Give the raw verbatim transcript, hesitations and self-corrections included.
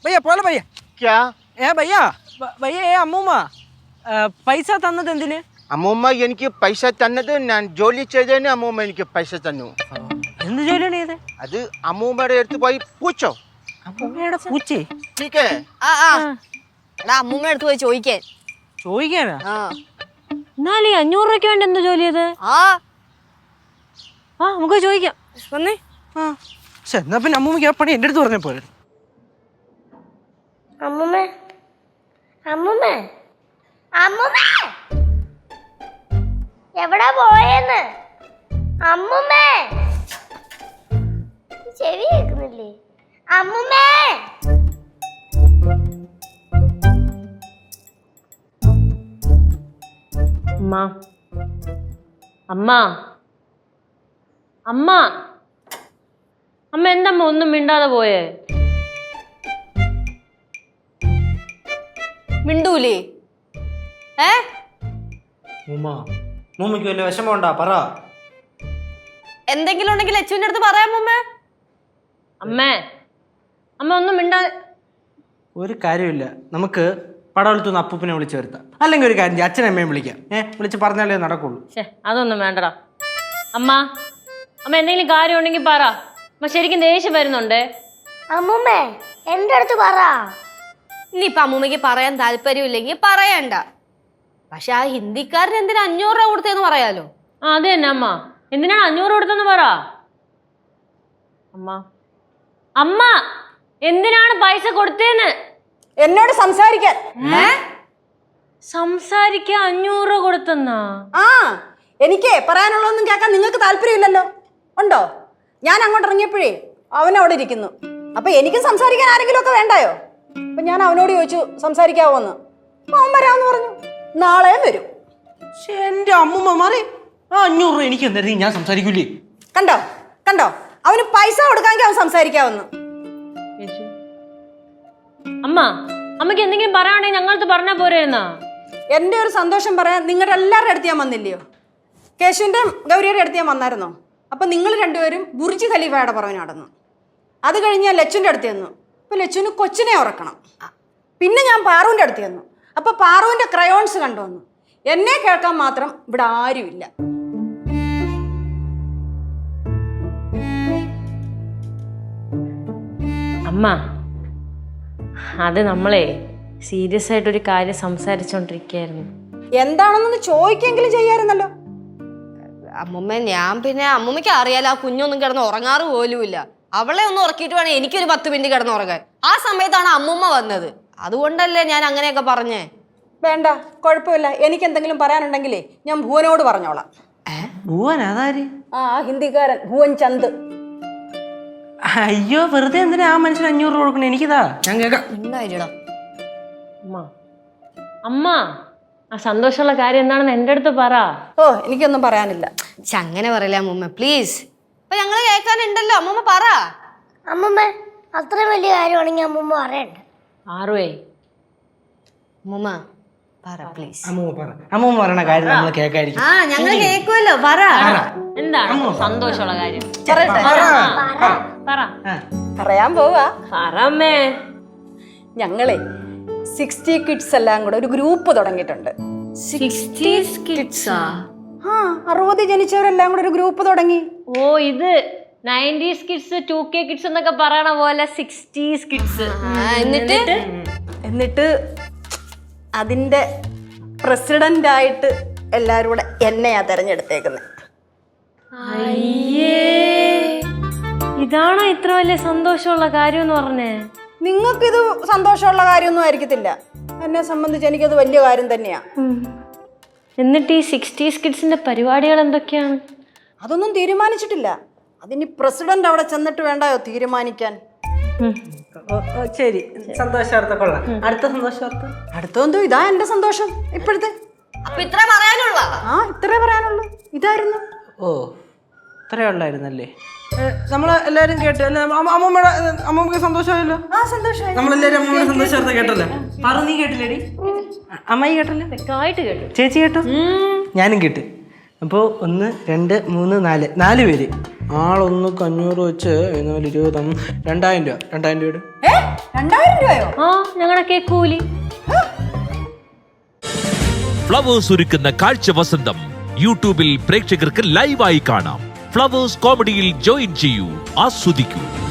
भैया बोलो भैया क्या ए भैया भैया ए अമ്മൂമ്മ പൈസ തന്നത് എന്തിന്? അമ്മൂമ്മ എനിക്ക് പൈസ തന്നത് ഞാൻ ജോലി ചെയ്തതിന് അമ്മൂമ്മ എനിക്ക് പൈസ തന്നു. എന്ത് ജോലിയാണ് ചെയ്തത്? അത് അമ്മൂമ്മയുടെ അടുത്ത് പോയി പൂച്ചോ. അമ്മൂമ്മയുടെ പൂച്ചേ? ടീക്കേ ആ ആ എടാ അമ്മൂമ്മ അടുത്ത് പോയി ചോദിക്കാൻ. ചോദിക്കാനാ? ആ എന്നാലും ഈ അഞ്ഞൂറ് രൂപയ്ക്ക് വേണ്ടി എന്താ ജോലി ചെയ്ത്? ആ ആ നമുക്ക് ചോദിക്കാം. വന്നേ. ആ പക്ഷെ എന്നാ പിന്നെ അമ്മൂമ്മക്ക് ആ പണി എൻ്റെ അടുത്ത് പറഞ്ഞ പോലെ. അമ്മൂമ്മേ അമ്മൂമ്മേ അമ്മൂമ്മേ എവിടാ പോയെന്ന്? അമ്മൂമ്മേ ചെവി കേൾക്കുന്നില്ലേ? അമ്മൂമ്മേ അമ്മ അമ്മ അമ്മ അമ്മ എന്തമ്മ ഒന്നും മിണ്ടാതെ പോയേ? മിണ്ടൂലേ? ഏ മൂമ്മയ്ക്ക് വല്ല വിഷമം ഉണ്ടാ പറ. എന്തെങ്കിലും ഉണ്ടെങ്കിൽ ലച്ചുവിന്റെ അടുത്ത് പറയാം അമ്മൂമ്മ. അമ്മേ അമ്മ ഒന്നും മിണ്ടാതെ. ഒരു കാര്യമില്ല, നമുക്ക് പടവലത്തുനിന്ന് അപ്പൂപ്പിനെ വിളിച്ച് വരുത്താം. അല്ലെങ്കിൽ ഒരു കാര്യം അച്ഛനെ അമ്മയും വിളിക്കാം. ഏഹ് വിളിച്ച് പറഞ്ഞാലേ നടക്കുള്ളൂ. ശേ അതൊന്നും വേണ്ടടാ. അമ്മ അമ്മ എന്തെങ്കിലും കാര്യം ഉണ്ടെങ്കിൽ പറ. അമ്മ ശരിക്കും ദേഷ്യം വരുന്നുണ്ടേ. അമ്മൂമ്മേ എൻ്റെ അടുത്ത് പറ. ഇനിയിപ്പൊ അമ്മൂമ്മക്ക് പറയാൻ താല്പര്യമില്ലെങ്കിൽ പറയണ്ട. പക്ഷെ ആ ഹിന്ദിക്കാരൻ എന്തിനാ അഞ്ഞൂറ് രൂപ കൊടുത്തേന്ന് പറയാലോ. ആ അത് തന്നെ അമ്മ. എന്തിനാണ് അഞ്ഞൂറ് കൊടുത്തെന്ന് പറ. അമ്മ അമ്മ എന്തിനാണ് പൈസ കൊടുത്തേന്ന് എന്നോട് സംസാരിക്കാൻ. സംസാരിക്കാൻ അഞ്ഞൂറ് രൂപ കൊടുത്തെന്നാ? ആ എനിക്ക് പറയാനുള്ളതൊന്നും കേൾക്കാൻ നിങ്ങൾക്ക് താല്പര്യമില്ലല്ലോ. ഉണ്ടോ? ഞാൻ അങ്ങോട്ട് ഇറങ്ങിയപ്പോഴേ അവൻ അവിടെ ഇരിക്കുന്നു. അപ്പൊ എനിക്ക് സംസാരിക്കാൻ ആരെങ്കിലും ഒക്കെ വേണ്ടായോ? അപ്പൊ ഞാൻ അവനോട് ചോദിച്ചു സംസാരിക്കാവോ എന്ന്. അവൻ വരാമെന്ന് പറഞ്ഞു. നാളെ വരും. പക്ഷെ എൻ്റെ അമ്മൂമ്മ മാറി ആ അഞ്ഞൂറ് രൂപ എനിക്ക് എന്തായാലും ഞാൻ സംസാരിക്കൂലേ. കണ്ടോ കണ്ടോ അവന് പൈസ കൊടുക്കാമെങ്കിൽ അവൻ സംസാരിക്കാവുന്നു. അമ്മ അമ്മക്ക് എന്തെങ്കിലും പറയാണെങ്കിൽ ഞങ്ങളടുത്ത് പറഞ്ഞാ പോരെന്നാ? എൻ്റെ ഒരു സന്തോഷം പറയാൻ നിങ്ങളുടെ എല്ലാവരുടെ അടുത്ത് ഞാൻ വന്നില്ലയോ? കേശുവിൻ്റെ ഗൗരിയുടെ അടുത്ത് ഞാൻ വന്നായിരുന്നോ? അപ്പം നിങ്ങൾ രണ്ടുപേരും ബുർജ് ഖലീഫയുടെ പുറമെ നടന്നു. അത് കഴിഞ്ഞ് ഞാൻ ലച്ചുവിൻ്റെ അടുത്ത് ചെന്നു. അപ്പോൾ ലച്ചുവിന് കൊച്ചിനെ ഉറക്കണം. പിന്നെ ഞാൻ പാറുവിൻ്റെ അടുത്ത് ചെന്നു. അപ്പോൾ പാറുവിൻ്റെ ക്രയോൺസ് കണ്ടുവന്നു. എന്നെ കേൾക്കാൻ മാത്രം ഇവിടെ ആരുമില്ല. അമ്മ അത് നമ്മളെ സീരിയസ് ആയിട്ടൊരു കാര്യം സംസാരിച്ചോണ്ടിരിക്കുകയായിരുന്നു. എന്താണെന്നൊന്ന് ചോദിക്കെങ്കിലും ചെയ്യാറുന്നല്ലോ. അമ്മൂമ്മ ഞാൻ പിന്നെ അമ്മൂമ്മയ്ക്ക് അറിയാലോ ആ കുഞ്ഞൊന്നും കിടന്ന് ഉറങ്ങാറ് പോലുമില്ല. അവളെ ഒന്ന് ഉറക്കിയിട്ട് വേണേ എനിക്കൊരു പത്ത് മിനിറ്റ് കിടന്ന് ഉറങ്ങാൻ. ആ സമയത്താണ് അമ്മൂമ്മ വന്നത്. അതുകൊണ്ടല്ലേ ഞാൻ അങ്ങനെയൊക്കെ പറഞ്ഞേ. വേണ്ട, കുഴപ്പമില്ല. എനിക്ക് എന്തെങ്കിലും പറയാനുണ്ടെങ്കിലേ ഞാൻ ഭുവനോട് പറഞ്ഞോളാം. ഭുവൻ അതാര്? ആ ഹിന്ദിക്കാരൻ ഭുവൻ ചന്ദ്. അയ്യോ വെറുതെ എന്തിനാ ആ മനുഷ്യന് അഞ്ഞൂറ് രൂപ കൊടുക്കണേ? എനിക്കിതാ ഞാൻ കേൾക്കാം. ഉണ്ടായില്ലടാ അമ്മ അമ്മ ആ സന്തോഷമുള്ള കാര്യം എന്താണെന്ന് എൻ്റെ അടുത്ത് പറ. ഓ എനിക്കൊന്നും പറയാനില്ല. അങ്ങനെ പറയില്ല അമ്മൂമ്മ പ്ലീസ്. അപ്പൊ ഞങ്ങള് കേൾക്കാനുണ്ടല്ലോ. അമ്മൂമ്മ പറ. അമ്മൂമ്മ അത്രയും വലിയ കാര്യമാണെങ്കിൽ അമ്മൂമ്മ പറയണ്ട. ആറുവേ അമ്മൂമ്മ പറ പ്ലീസ്. അമ്മൂമ്മ പറ. അമ്മൂമ്മ പറയണ കാര്യം നമ്മൾ കേൾക്കായിരിക്കും. ആ ഞങ്ങള് കേൾക്കുമല്ലോ. പറ. എന്താണ് സന്തോഷമുള്ള കാര്യം? പറ. പറയാൻ പോവാ. പറമ്മേ. ഞങ്ങളെ സിക്സ്റ്റി കിഡ്സ് എല്ലാം കൂടെ ഒരു ഗ്രൂപ്പ് തുടങ്ങിയിട്ടുണ്ട്. ആ അറുപത് ജനിച്ചവരെല്ലാം കൂടെ ഒരു ഗ്രൂപ്പ് തുടങ്ങി. ഓ ഇത് nineties kids two K kids എന്നൊക്കെ പറയണ പോലെ സിക്സ്റ്റീസ് കിഡ്സ്. എന്നിട്ട് എന്നിട്ട് അതിൻ്റെ പ്രസിഡൻ്റായിട്ട് എല്ലാവരും കൂടെ എന്നെയാ തിരഞ്ഞെടുത്തേക്കുന്നത്. അയ്യേ ഇതാണോ ഇത്ര വലിയ സന്തോഷമുള്ള കാര്യം എന്ന് പറഞ്ഞേ? നിങ്ങൾക്കിത് സന്തോഷമുള്ള കാര്യമൊന്നും ആയിരിക്കത്തില്ല. എന്നെ സംബന്ധിച്ച് എനിക്കത് വലിയ കാര്യം തന്നെയാ. എന്നിട്ട് ഈ സിക്സ്റ്റീസ് കിഡ്സിന്റെ പരിപാടികൾ എന്തൊക്കെയാണ്? അതൊന്നും തീരുമാനിച്ചിട്ടില്ല. അതിന് പ്രസിഡന്റ് അവിടെ ചെന്നിട്ട് വേണ്ടായോ തീരുമാനിക്കാൻ. ശരി, സന്തോഷാർത്ഥ കൊള്ളാം. അടുത്ത സന്തോഷാർത്ഥ അടുത്തെന്തോ ഇതാ എന്റെ സന്തോഷം ഇപ്പോഴത്തെ. അപ്പൊ ഇത്ര പറയാനുള്ള? ആ ഇത്രേ പറയാനുള്ളൂ. ഇതായിരുന്നു. ഓ ഇത്രേ ഉള്ളായിരുന്നല്ലേ? നമ്മള് എല്ലാരും കേട്ടു അല്ലേ? അമ്മൂമ്മയുടെ അമ്മൂമ്മക്ക് സന്തോഷമായല്ലോ. ആ സന്തോഷമായി. നമ്മളെല്ലാരും അമ്മൂമ്മയുടെ സന്തോഷാർത്ഥ കേട്ടല്ലേ? പറ, നീ കേട്ടില്ലേടി? അമ്മായി കേട്ടല്ലേ? വ്യക്തമായിട്ട് കേട്ടു. ചേച്ചി കേട്ടോ? ഞാനും കേട്ട്. അപ്പോൾ ഒന്ന് രണ്ട് മൂന്ന് നാല് നാല് പേര് ആളൊന്ന് അഞ്ഞൂറ് വെച്ച് എന്നാലും ഇരുപത് രണ്ടായിരം രൂപ രണ്ടായിരം രൂപയുടെ ഏ രണ്ടായിരം രൂപയോ? ആ ഞങ്ങളുടെ കേക്ക് കൂലി. ഫ്ലവേഴ്സ് ഒരുക്കുന്ന കാഴ്ച വസന്തം യൂട്യൂബിൽ പ്രേക്ഷകർക്ക് ലൈവായി കാണാം. ഫ്ലവേഴ്സ് കോമഡിയിൽ ജോയിൻ ചെയ്യൂ, ആസ്വദിക്കൂ.